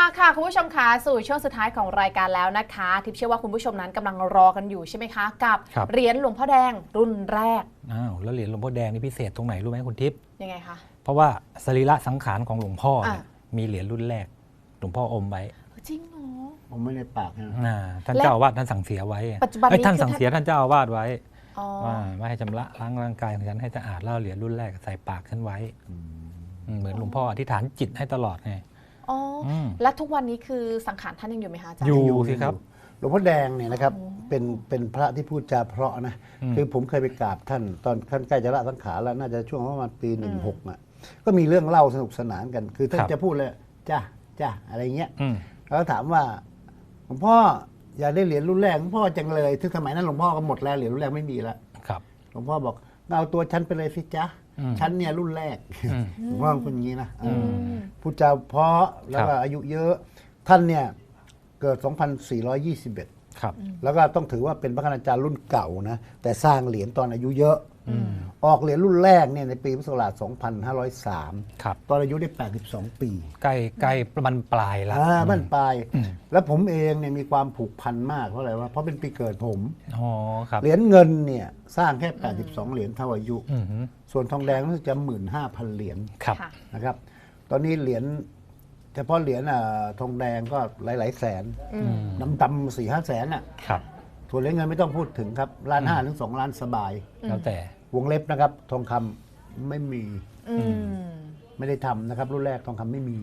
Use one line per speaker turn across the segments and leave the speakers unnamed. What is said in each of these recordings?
ค่ะคุณผู้ชมคะสู่ช่วงสุดท้ายของรายการแล้วนะคะทิพย์เชื่อว่าคุณผู้ชมนั้นกำลังรอกันอยู่ใช่ไหมคะกับเหรียญหลวงพ่อแดงรุ่นแรก
แล้วเหรียญหลวงพ่อแดงนี่พิเศษตรงไหนรู้ไหมคุณทิพย์
ยังไงคะ
เพราะว่าสรีระสังขารของหลวงพ่อมีเหรียญรุ่นแรกหลวงพ่ออมไว้
จริงเหรอ
ผมไม่ได้ปาก
นะท่านเจ้าอาวาสท่านสั่งเสียไว้
ปัจจุบันนี้
ท่านสั่งเสียท่านเจ้าอาวาสไว้ว่าไม่ให้ชำระล้างร่างกายของฉันให้สะอาดแล้วเหรียญรุ่นแรกใส่ปากฉันไว้เหมือนหลวงพ่ออธิษฐานจิตให้ตลอดไง
และทุกวันนี้คือสังขารท่านยังอยู่ไหมคะอาจารย์
อยู่สิครับ
หลวงพ่อแดงเนี่ยนะครับเป็นพระที่พูดจาเพราะนะคือผมเคยไปกราบท่านตอนท่านใกล้จะละสังขารแล้วน่าจะช่วงประมาณปี16อ่ะก็มีเรื่องเล่าสนุกสนานกันคือท่านจะพูดเลยจ้าอะไรเงี้ยแล้วถามว่าหลวงพ่ออยากได้เหรียญรุ่นแรกหลวงพ่อจังเลยถึงสมัยนั้นหลวงพ่อก็หมดแล้วเหรียญรุ่นแรกไม่มีแล้วหลวงพ่อบอกเอาตัวฉันไปเลยสิจ๊ะฉันเนี่ยรุ่นแรกหลวงพ่อคนนี้นะพูดจาเพราะแล้วก็อายุเยอะท่านเนี่ยเกิด 2421 แล้วก็ต้องถือว่าเป็นพระคณาจารย์รุ่นเก่านะแต่สร้างเหรียญตอนอายุเยอะออกเหรียญรุ่นแรกเนี่ยในปีพุทธศักราช 2503 ตอนอายุได้ 82 ปี
ใกล้มันปลายแล้ว
มันปลายแล้วผมเองเนี่ยมีความผูกพันมากเพราะอะไรวะเพราะเป็นปีเกิดผมเหรียญเงินเนี่ยสร้างแค่ 82 เหรียญเท่าอายุส่วนทองแดงรู้สึกจะ 15,000 เหรียญนะครับตอนนี้เหรียญเฉพาะเหรียญทองแดงก็หลายๆแสนดำๆ4-5 แสนอ่ะส่วนเหรียญเงินไม่ต้องพูดถึงครับ1.5 ถึง 2 ล้านสบาย
แล้วแต่
วงเล็บนะครับทองคำไม่มีไม่ได้ทำนะครับรุ่นแรกทองคำไม่มี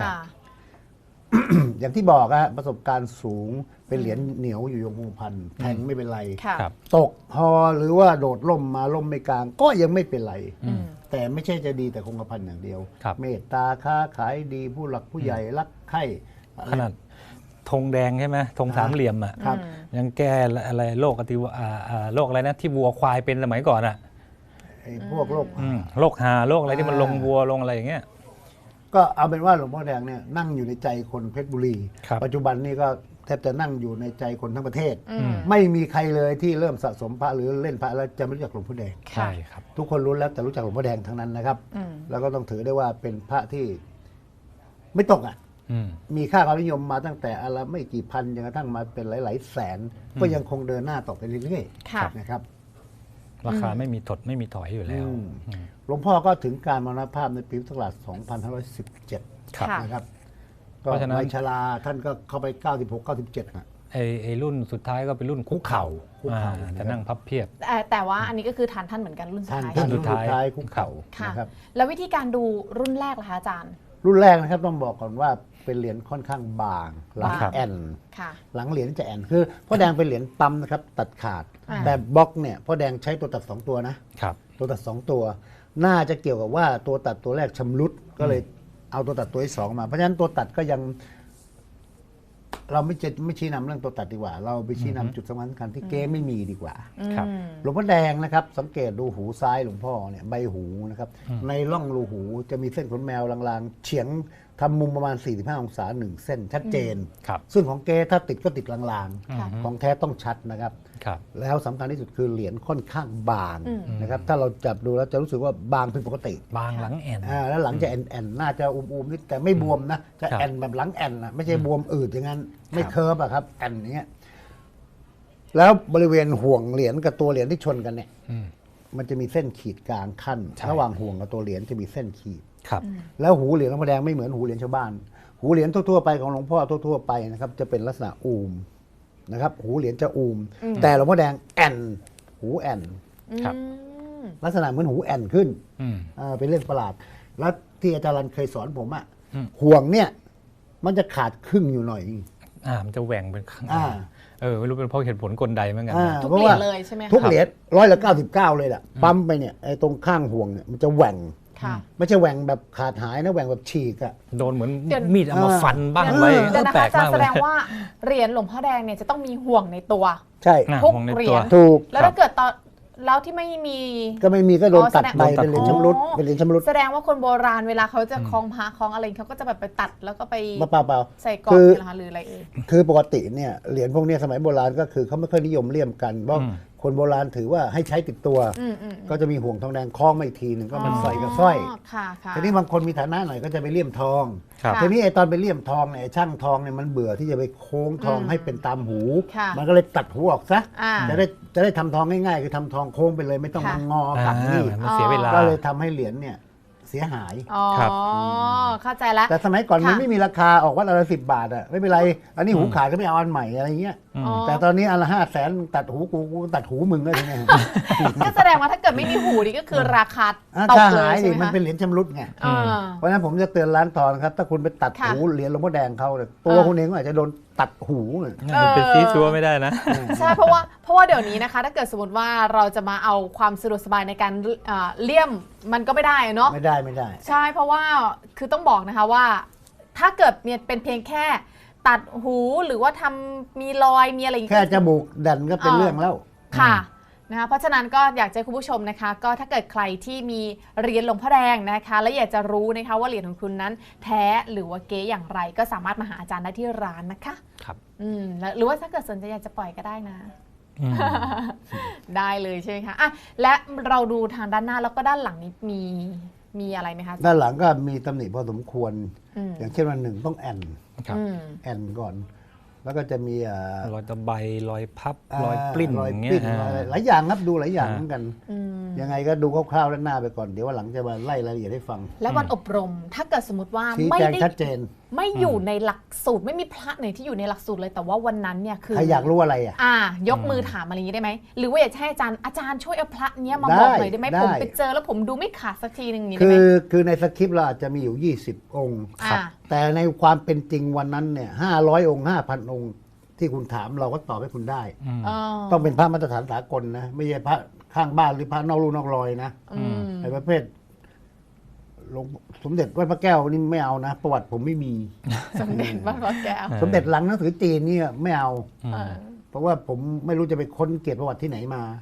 อย่างที่บอกอะประสบการณ์สูงเป็นเหรียญเหนียวอยู่ยงคงพันแทงไม่เป็นไรตกฮอหรือว่าโดดล่มมาล่มไม่กลางก็ยังไม่เป็นไรแต่ไม่ใช่จะดีแต่คงกระพันอย่างเดียวเมตตาค้าขายดีผู้หลักผู้ใหญ่รักใคร่
ขนาดธงแดงใช่ไหมธงสามเหลี่ยมอ่ะยังแก้อะไรโรคโรคอะไรนะที่วัวควายเป็นสมัยก่อนอ่ะ
พวกโรค
หาโรคอะไรที่มันลงวัวลงอะไรอย่างเงี้ย
ก็เอาเป็นว่าหลวงพ่อแดงเนี่ยนั่งอยู่ในใจคนเพชรบุรีปัจจุบันนี้ก็แทบจะนั่งอยู่ในใจคนทั้งประเทศไม่มีใครเลยที่เริ่มสะสมพระหรือเล่นพระแล้วจะไม่รู้จักหลวงพ่อแดง
ใช่ครับ
ทุกคนรู้แล้วแต่รู้จักหลวงพ่อแดงทั้งนั้นนะครับแล้วก็ต้องถือได้ว่าเป็นพระที่ไม่ตกอ่ะมีค่าความนิยมมาตั้งแต่อะไรไม่กี่พันจนกระทั่งมาเป็นหลายๆแสนก็ยังคงเดินหน้าต่อไปเรื่อยๆนะครับ
ราคาไม่มีถดไม่มีถอยอยู่แล้ว
หลวงพ่อก็ถึงการมรณภาพในปีพุทธศักราช 2517 นะครับก็วัยชราท่านก็เข้าไป 96-97 นะ
ไอ้รุ่นสุดท้ายก็เป็นรุ่นคุกเข่าจะนั่งพับเพียบ
แต่ว่าอันนี้ก็คือทานท่านเหมือนกันรุ่นสุดท้าย
รุ่นสุดท้ายคุกเข่า
นะครับแล้ววิธีการดูรุ่นแรกล่ะคะอาจารย์
รุ่นแรกนะครับต้องบอกก่อนว่าเป็นเหรียญค่อนข้างบางหลังแอนหลังเหรียญจะแอนคือพ่อแดงเป็นเหรียญปั๊มนะครับตัดขาดแต่บล็อกเนี่ยพ่อแดงใช้ตัวตัด2ตัวนะตัวตัด2ตัวน่าจะเกี่ยวกับว่าตัวตัดตัวแรกชำรุดก็เลยเอาตัวตัดตัวที่2มาเพราะฉะนั้นตัวตัดก็ยังเราไม่ชี้นำเรื่องตัวตัดดีกว่าเราไปชี้นำจุดสำคัญที่เก๊ไม่มีดีกว่าหลวงพ่อแดงนะครับสังเกตดูหูซ้ายหลวงพ่อเนี่ยใบหูนะครับในร่องรูหูจะมีเส้นขนแมวลางๆเฉียงทำมุมประมาณ45 องศา1 เส้นชัดเจนซึ่งของเก๊ถ้าติดก็ติดลางๆของแท้ต้องชัดนะครับแล้วสำคัญที่สุดคือเหรียญค่อนข้างบางนะครับถ้าเราจับดูแล้วจะรู้สึกว่าบางผิดปกติ
บางหลังแอน
แล้วหลังจะแอนน่าจะอุ้มๆนิดแต่ไม่บวมนะจะแอนแบบหลังแอนนะไม่ใช่บวมอืดอย่างนั้นไม่เคิร์ฟอะครับแอนอย่างเงี้ยแล้วบริเวณห่วงเหรียญกับตัวเหรียญที่ชนกันเนี่ยมันจะมีเส้นขีดกลางขั้นระหว่างห่วงกับตัวเหรียญจะมีเส้นขีดแล้วหูเหรียญหลวงพ่อแดงไม่เหมือนหูเหรียญชาวบ้านหูเหรียญทั่วๆไปของหลวงพ่อทั่วๆไปนะครับจะเป็นลักษณะอูมนะครับหูเหรียญจะอูมแต่หลวงพ่อแดงแอนหูแอนลักษณะเหมือนหูแอนขึ้นเป็นเรื่องประหลาดแล้วที่อาจารย์เคยสอนผมอะห่วงเนี่ยมันจะขาดครึ่งอยู่หน่อย
มันจะแหว่งเป็นไม่รู้เป็นเพราะเหตุผลกลใดเหมือนกัน
ทุกเหรียญเลยใช่ไหม
ทุกเหรียญ99เลยแหละปั๊มไปเนี่ยไอ้ตรงข้างห่วงเนี่ยมันจะแหว่งไม่ใช่แหว่งแบบขาดหายนะแหว่งแบบฉีกอะ
โดนเหมือนมีดเอามาฟันบ้างไว้
แปลกมากเลยแสดงว่าเหรียญหลวงพ่อแดงเนี่ยจะต้องมีห่วงในตัว
ใช่
ทุกเหรียญ
ถูก
แล้วถ้าเกิดตอนแล้วที่ไม่มี
ก็โดนตัดไปเป็นเหรียญชำรุดเป็นเหรียญชำรุด
แสดงว่าคนโบราณเวลาเขาจะคล้องพระคล้องอะไรเขาก็จะแบบไปตัดแล้วก็ไป
เปล่า
ใส่กรอบหรืออะไร
คือปกติเนี่ยเหรียญพวกนี้สมัยโบราณก็คือเขาไม่ค่อยนิยมเลี่ยมกันเพราะคนโบราณถือว่าให้ใช้ติดตัว ก็จะมีห่วงทองแดงคล้องมาอีกทีหนึ่งก็มันใส่กับสร้อย
ค่ะค่ะ
ทีนี้บางคนมีฐานะหน่อยก็จะไปเลี่ยมทอง
ครับ
ทีนี้ไอ้ตอนไปเลี่ยมทองเนี่ยไอ้ช่างทองเนี่ยมันเบื่อที่จะไปโค้งทองให้เป็นตามหู
ค่ะ
มันก็เลยตัดหูออกซะ
อ่า
จะได้ทำทองง่ายๆคือทำทองโค้งไปเลยไม่ต้อง
ค่ะ
มางอกับนี่
มันเสียเวลา
ก็เลยทำให้เหรียญเนี่ยเสียหาย
อ๋อ
ครับ
เข้าใจแล้ว
แต่สมัยก่อนมัน
ค่ะ
ไม่มีราคาออกวัดละ10 บาทอ่ะไม่เป็นไร อันนี้หูขาดก็ไม่เอาอันใหม่อะไรเงี้ย
อ๋อ
แต่ตอนนี้อันละ500,000ตัดหูกูตัดหูมึงก็ทีเนี้ย
ก็แสดงว่าถ้าเกิดไม่มีหูนี่ก็คือราคาตก
ถ้า
เล
หาย ย
ใช่
ดิ
ไหม
มัน
คะ
เป็นเหรียญชำรุดไง
อ่า
เพราะฉะนั้นผมจะเตือนร้านทองครับ ถ้าคุณไปตัด
ค่ะ
หูเหรียญหลวงพ่อแดงเขาเนี่ยตัวคุณเองก็อาจจะโดนตัดหูเนี่ย
เป็นซีซัวไม่ได้นะ
ใช่เพราะว่าเดี๋ยวนี้นะคะ ถ้าเกิดสมมติว่าเราจะมาเอาความสะดวกสบายในการเลี่ยมมันก็ไม่ได้เนาะ
ไม่ได้
ใช่เพราะว่าคือต้องบอกนะคะว่า ถ้าเกิดเนี่ยเป็นเพียงแค่ตัดหูหรือว่าทำมีรอยมีอะไรอย่าง
แค่
เงี้ย
จมูกดันก็เป็นเรื่องแล้ว
ค่ะนะคะเพราะฉะนั้นก็อยากจะให้คุณผู้ชมนะคะ ก็ถ้าเกิดใครที่มีเหรียญหลวงพ่อแดงนะคะ และอยากจะรู้นะคะว่าเหรียญของคุณนั้นแท้หรือว่าเก๊อย่างไร ก็สามารถมาหาอาจารย์ได้ที่ร้านนะคะ
ครับ
หรือว่าถ้าเกิดสนใจอยากจะปล่อยก็ได้นะ
อืม
ได้เลยใช่ไหมคะอ่ะและเราดูทางด้านหน้าแล้วก็ด้านหลังนี้มีอะไรไหมคะ
ด้านหลังก็มีตำหนิพอสมควร
อืม
อย่างเช่นวันหนึ่งต้องแอน
ครับ
แอนก่อน แล้วก็จะมี
รอยตะไบรอยพับรอยปลิ้น
รอย
อย่าง
ป
เงี้ย
ลิ้นรอยอะไรหลายอย่างครับดูหลายอย่าง
อ่า
เหมือนกัน
อืม
ยังไงก็ดูคร่าวๆด้านหน้าไปก่อนเดี๋ยววันหลังจะมาไล่รายละเอียดให้ฟัง
และวันอบรมถ้าเกิดสมมติว่า
ชี้
ไม่
แจง
ได้
ชัดเจน
ไม่อยู่ในหลักสูตรไม่มีพระไหนที่อยู่ในหลักสูตรเลยแต่ว่าวันนั้นเนี่ยคือ
ใครอยากรู้อะไรอ่ะ
ยกมือถามอะไรอย่างนี้ได้ไหมหรือว่าอยากจะให้อาจารย์ช่วยเอาพระเนี้ยมา
ได้
บอกหน่อยได้ไหม
ได้
ผมไปเจอแล้วผมดูไม่ขาดสักทีหนึงอย่างนี้
คื
ได้ไหม
คือในสคริปต์เราอาจจะมีอยู่ 20 องค์
อ่า
แต่ในความเป็นจริงวันนั้นเนี่ย500 องค์ 5,000 องค์ ที่คุณถามเราก็ตอบให้คุณได้
อืม
ต้องเป็นพระมาตรฐานสากลนะ ไม่ใช่พระข้างบ้านหรือพระนอกลู่นอกรอยนะ
อืม
ในประเภทหลวงสมเด็จวัดพระแก้วนี่ไม่เอานะ ประวัติผมไม่มี
สมเด็จพระพระแก้ว
สมเด็จหลังหนังสือจีนเนี่ยไม่เอา
อืม
เออ
เพราะว่าผมไม่รู้จะไปค้นเกียรติประวัติที่ไหนมา